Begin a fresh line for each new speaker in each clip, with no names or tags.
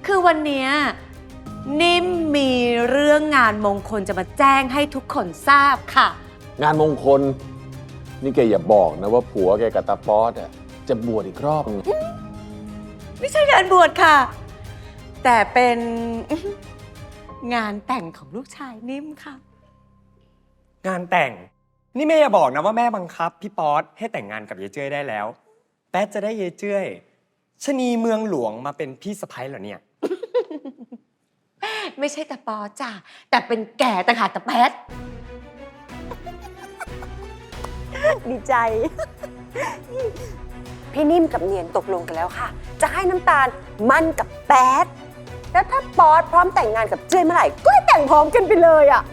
คือวันนี้นิ่มมีเรื่องงานมงคลจะมาแจ้งให้ทุกคนทราบค่ะ
งานมงคลนี่แกอย่าบอกนะว่าผัวแกกับตาป๊อดอ่ะจะบวชอีกรอบนึง
ไม่ใช่งานบวชค่ะ แต่เป็นงานแต่งของลูกชายนิ่มค่ะ
งานแต่งนี่แม่อย่าบอกนะว่าแม่บังคับพี่ป๊อตให้แต่งงานกับยายเจ้ยได้แล้วแป๊ดจะได้ยายเจ้ยชนีเมืองหลวงมาเป็นพี่สะใภ้เหรอเนี่ย
ไม่ใช่แต่ปอจ้ะแต่เป็นแก่ต่างหากแต่แป๊ด
ดีใจ พี่นิ่มกับเนียนตกลงกันแล้วค่ะ จะให้น้ำตาลมั่นกับแป๊ดแล้วถ้าป๊อตพร้อมแต่งงานกับเจ้ยเมื่อไหร่ก็ให้แต่งพร้อมกันไปเลยอ่ะ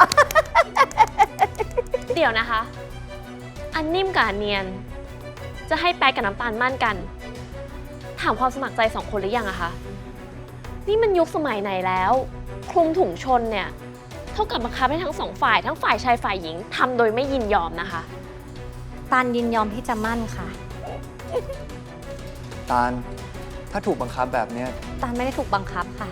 เดี๋ยวนะคะ อันนิ่มกับอันเนียน จะให้แป๊กกับน้ำตาลมั่นกัน ถามความสมัครใจสองคนหรือยังอะคะ นี่มันยุคสมัยไหนแล้ว คลุมถุงชนเนี่ย เท่ากับบังคับให้ทั้งสองฝ่ายทั้งฝ่ายชายฝ่ายหญิงทำโดยไม่ยินยอมนะคะ
ตาลยินยอมที่จะมั่นค่ะ
ตาลถ้าถูกบังคับแบบเนี้ย
ตาลไม่ได้ถูกบังคับค่ะ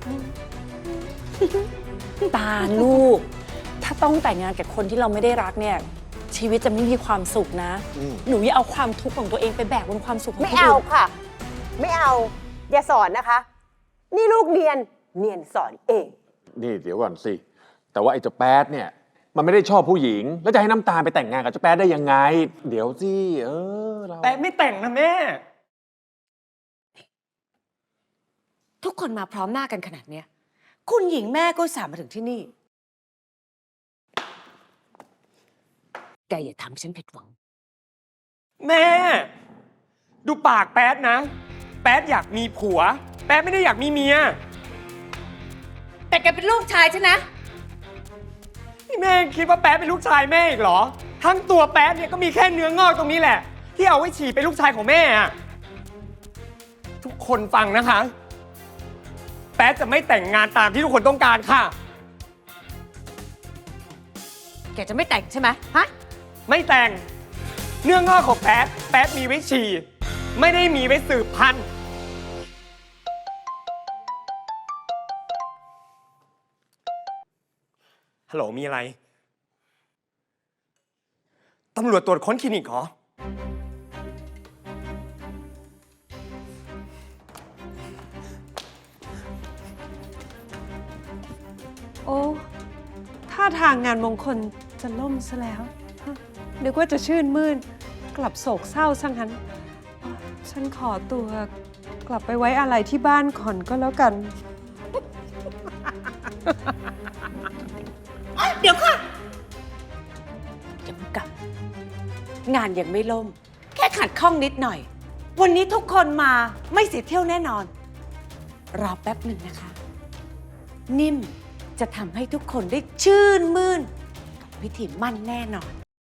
ตาลูก ถ้าต้องแต่งงานกับคนที่เราไม่ได้รักเนี่ยชีวิตจะไม่มีความสุขนะ หนูอย่าเอาความทุกข์ของตัวเองไปแบกบนความสุขของคน
ไม่
อื่น
เอาค่ะ ไม่เอา อย่าสอนนะคะ นี่ลูกเนียนสอนเอง
นี่เดี๋ยวก่อนสิแต่ว่าไอ้เจ้าแป๊ดเนี่ยมันไม่ได้ชอบผู้หญิงแล้วจะให้น้ำตาลไปแต่งงานกับเจ้าแป๊ดได้ยังไงเดี๋ยวสิเรา
แป๊ดไม่แต่งนะแม่
ทุกคนมาพร้อมหน้ากันขนาดเนี้ยคุณหญิงแม่ก็สามมาถึงที่นี่แกอย่าทำให้ฉันผิดหวัง
แม่ ดูปากแป๊ดนะ แป๊ดอยากมีผัว แป๊ดไม่ได้อยากมีเมีย
แต่แกเป็นลูกชายฉันนะ
นี่แม่คิดว่าแป๊ดเป็นลูกชายแม่อีกเหรอ ทั้งตัวแป๊ดเนี่ยก็มีแค่เนื้องอกตรงนี้แหละ ที่เอาไว้ฉี่เป็นลูกชายของแม่อะทุกคนฟังนะคะ แป๊ดจะไม่แต่งงานตามที่ทุกคนต้องการค่ะ
แกจะไม่แต่งใช่ไหมฮะ
ไม่แต่ง เนื้องอกของแป๊ดแป๊ดมีไว้ฉี่ไม่ได้มีไว้สืบพันธุ์ฮัลโหลมีอะไร ตำรวจตรวจค้นคลินิกเหรอ
โอ้ท่าทางงานมงคลจะล่มซะแล้วฮะนึกว่าจะชื่นมื่น กลับโศกเศร้าซะงั้นอ๋อฉันขอตัวกลับไปไว้อะไรที่บ้านก่อนก็แล้วกัน
เดี๋ยวค่ะอย่าเพิ่งกลับงานยังไม่ล่ม แค่ขัดข้องนิดหน่อย วันนี้ทุกคนมาไม่เสียเที่ยวแน่นอน รอแป๊บหนึ่งนะคะ นิ่มจะทำให้ทุกคนได้ชื่นมื่นกับพิธีมั่นแน่นอน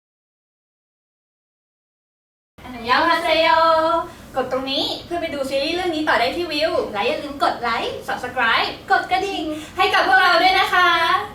ยาวฮาเซโยกดตรงนี้เพื่อไปดูซีรีส์เรื่องนี้ต่อได้ที่วิว และอย่าลืมกดไลค์ Subscribe กดกระดิ่งให้กับพวกเราด้วยนะคะ